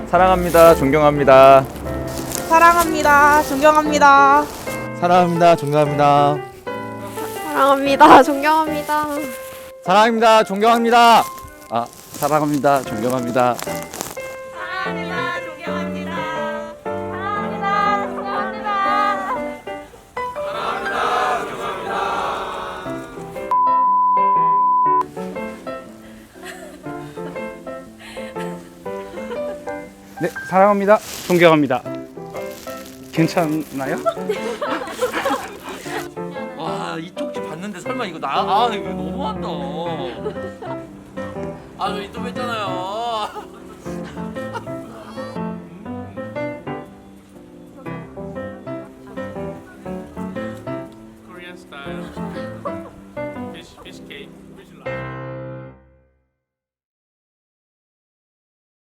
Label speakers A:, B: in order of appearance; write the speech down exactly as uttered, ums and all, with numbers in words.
A: 사랑합니다. 존경합니다.
B: 사랑합니다. 존경합니다.
C: 사랑합니다. 존경합니다.
D: 사랑합니다. 존경합니다.
A: 사랑합니다. 존경합니다. 아, 사랑합니다. 존경합니다.
D: 사랑합니다. 존경합니다. 사랑합니다. 존경합니다.
E: 네, 사랑합니다. 존경합니다. 괜찮나요?
F: 와, 이 쪽지 봤는데 설마 이거 나? 아, 이거 너무한다. 아, 저 인터뷰 했잖아요. 코리안 스타일.